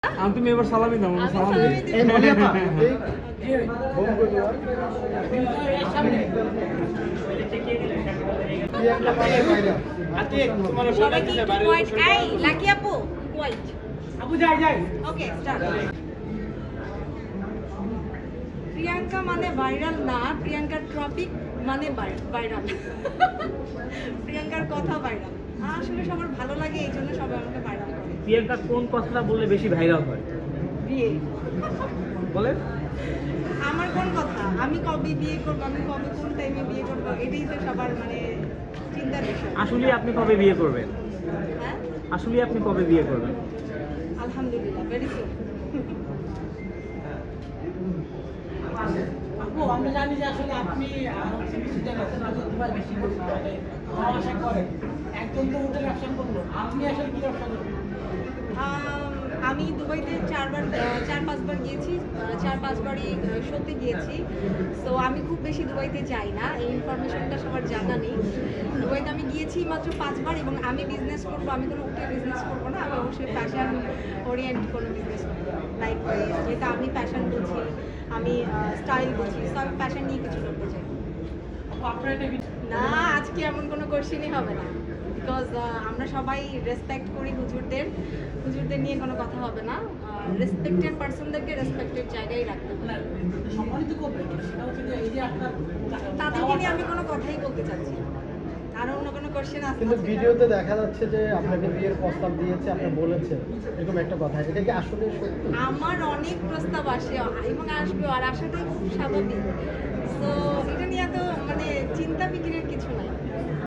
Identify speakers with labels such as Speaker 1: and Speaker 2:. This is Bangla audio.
Speaker 1: তুমি এবার সালামি দাও, সালাম দিই।
Speaker 2: এই মনিয়াপা এই বোম করে দাও
Speaker 3: সামনে
Speaker 2: কি একটা পারে বাইরে
Speaker 3: আতে তোমার
Speaker 4: সবাই কি একটু হোয়াইট এই লাকি আপু হোয়াইট
Speaker 3: আপু যাই যাই
Speaker 4: ওকে স্টার্ট প্রিয়াঙ্কা মানে ভাইরাল না, প্রিয়াঙ্কার টপিক মানে ভাইরাল। প্রিয়াঙ্কার কথা ভাইরাল, আসলে সবার ভালো লাগে, এই জন্য সবাই আমাকে ভাইরাল করে।
Speaker 3: প্রিয়াঙ্কা কোন কথাটা বললে বেশি ভাইরাল হয়
Speaker 4: বিয়ে
Speaker 3: বলেন?
Speaker 4: আমার কোন কথা, আমি কবে বিয়ে করবো, আমি কবে কোন টাইমে বিয়ে করবো, এটাই তো সবার মানে চিন্তার বিষয়।
Speaker 3: আসলে আপনি কবে বিয়ে করবেন?
Speaker 4: হ্যাঁ
Speaker 3: আসলে আপনি কবে বিয়ে করবেন?
Speaker 4: আলহামদুলিল্লাহ ভেরি সুন।
Speaker 5: আপু আমরা জানি যে আসলে আপনি কিছুটা দুবার বেশি মানে ব্যবসা করেন, একজন তো হোটেল ব্যবসা করলো, আপনি আসলে কি ব্যবসা করবেন?
Speaker 4: আমি দুবাইতে চার পাঁচবার গিয়েছি, 4-5বারই শোতে গিয়েছি। সো আমি খুব বেশি দুবাইতে যাই না, এই ইনফরমেশনটা সবার জানা নেই। দুবাইতে আমি গিয়েছি মাত্র 5বার, এবং আমি বিজনেস করবো, আমি কোনো হোটেল বিজনেস করবো না, আমি অবশ্যই ফ্যাশন ওরিয়েন্ট কোনো বিজনেস করবো। লাইক যেটা আমি ফ্যাশন বুঝি, আমি স্টাইল বুঝি, সো আমি ফ্যাশন নিয়ে কিছু করতে চাই।
Speaker 5: আপু আপনার এটা
Speaker 4: না, আজকে এমন কোনো কোশ্চেনই হবে না, বিকজ আমরা সবাই রেসপেক্ট করি হুজুরদের নিয়ে কোনো কথা হবে না। রেসপেক্টেড পার্সনদেরকে রেসপেক্টেড জায়গায় রাখতে হবে,
Speaker 5: সম্মানিত করবেন, সেটা হচ্ছে যে এই যে আপনার
Speaker 4: তাদেরকে নিয়ে আমি কোনো কথাই বলতে চাচ্ছি না। আর অন্য কোনো কোশ্চেন আছে?
Speaker 2: কিন্তু ভিডিওতে দেখা যাচ্ছে যে আপনাকে বিয়ের প্রস্তাব দিয়েছে, আপনি বলেছেন এরকম একটা কথা, এটা কি আসলে সত্যি?
Speaker 4: আমার অনেক প্রস্তাব আসে এবং আসবে, আর আসাটাই খুব স্বাভাবিক। সো এটা নিয়ে তো মানে চিন্তা ফিকিরের কিছু নাই।